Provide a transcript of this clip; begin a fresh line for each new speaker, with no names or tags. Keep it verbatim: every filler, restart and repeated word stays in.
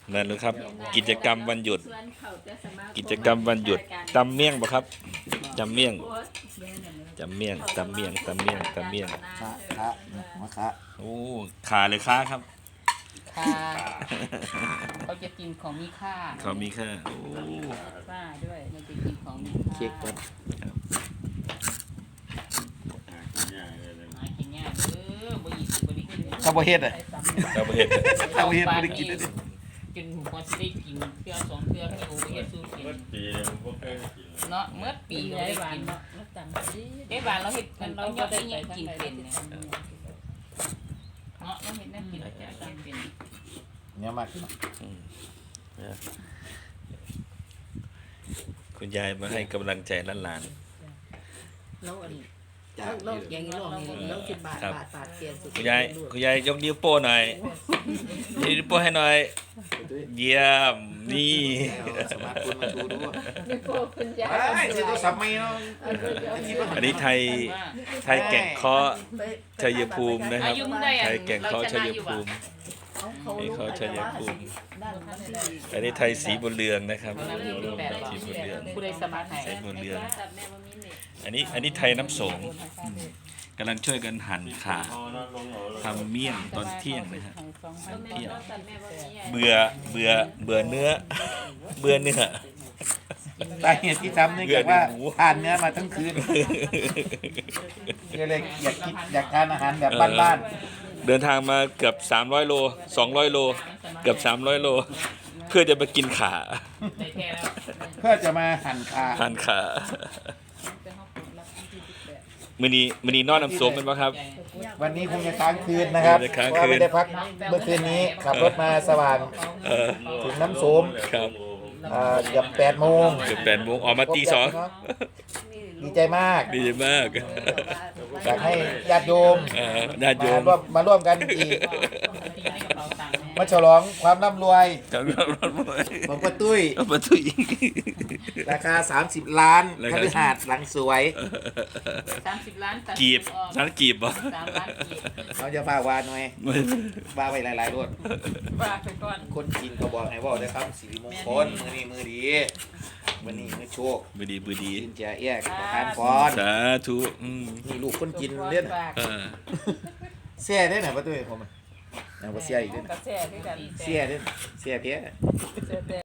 นั่นเลยครับกิจกรรมวันหยุดกิจกรรมวันหยุดตำเมี่ยงปะครับตำเมี่ยงตำเมี่ยงตำเมี่ยงตำเมี่ยงตำเมี่ยง
คะคะมะคะ
โอ้ขาเลยค้าครับ
ค่ะเขาจะกินของมีค่า
เขามีค่าโอ้
ค่าด้วยมันจะกินของมีค่า
เค้กก่อน
หากินยากเด้อบ่หยิบบ่ได้กิน
ข้าวโพดเฮ็ดอ่ะ
เราไปเห็น
ข้าวโพดเฮ็ดบ่ได้กินเลย
จนพอสิได้กินเทื่อสองเทื่อมีโอเฮ็ดสู้กินเนาะเมื่อปีก็ได้กินเนาะได้บานเราเฮ็ดมันเรายอดได้ยังกินเป็นเนี่ยเนาะเราเฮ็ดแนวกินเราจะกินเป็น
เนี่ยมากเนาะ
คุณยายมาให้กำลังใจหลาน
แล้วอัน
จาก
เราอย่างนี้ลองนี่เราสิบบาทบาทบาทเสียนสุด
ๆคุณยายคุณยายยกนิ้วโป้หน่อยยกนิ้วโป้ให้หน่อยเยี่ยมนี่
สมาร์ทโฟนมาชูด้วย
นี่พวกคุณยาย
ไอ้ซื้อโทรศัพท์ใหม่เนาะ
อันนี้ไทยไทยแก่งเคาะชัยภูมินะครับไทยแก่งเคาะชัยภูมินี่เขาชัยภูมิอันนี้ไทยสีบุญเรืองนะครับสีบุญเรือง
ผู้ใดสมัครให้
สีบุญเรืองอันนี้อันนี้ไทยน้ำสงกำลังช่วยกันหั่นขาทำเมี่ยงตอนเที่ยงนะครับเที่ยงเบื่อเบื่อเบื่อเนื้อเบื่อเนื้อ
สาเหตุที่ทำเนื่องจากว่าทานเนื้อมาทั้งคืนก็เลยอยากกินอยากทานอาหารแบบบ้าน
เดินทางมาเกือบสามร้อยโลสองร้อยโลเกือบสามร้อยโลเพื่อจะมากินขา
ได้แท้แล้ว
ๆเพื่อจะมาหั่นคา
หั่นขามือนี้มือนี้นอนน้ำส้มเป็นปะครับ
วันนี้คงจะค้างคืนนะครับ
จะค้าง
เพ
คืน
ราะว่าไม่ได้พักเมื่อคืนนี้ขับรถมาสว่าง
เออ
ถึงน้ำโสม
ครับ
อ่าเกือบแปดโมง
เกือบแปดโมงออกมาตีสอง
ดีใจมาก
ดีมาก
อยากให้ญาติโยม
เออญาติโย
มาม ร่วมมาร่วมกันอีกมาฉลองความร่ำรวย
จังหวัดรถไฟ
ของป้าตุ้ย
เอาประตุย
ราคา สามสิบ ล้าน
รา
ค
คา
ฤหาสน์หลังสวย
สามสิบล้านตัด
กีบ
ออก
นั้นกีบบ่
สามล้านกีบ
เขาจะฝากวาหน่อยวาไว้หลายๆรถ
ว่าไปก่อน
คนกินเขาบอกให้บอกนะครับสิริมงคลมือนี้มือดีมือนี้มือโชค
บือดีบือดี
กินเจียเอี้ยกประทานพร
สาธุอืม
นี่ลูกคนกินเล่น
เออ
เสียได้ไหนป้าตุ้ยผมอ่ะยังบ่เสียอีกเด้อก
ระแสด้วยกัน
เสียเด้อเสียเพี้ย
เสียแต่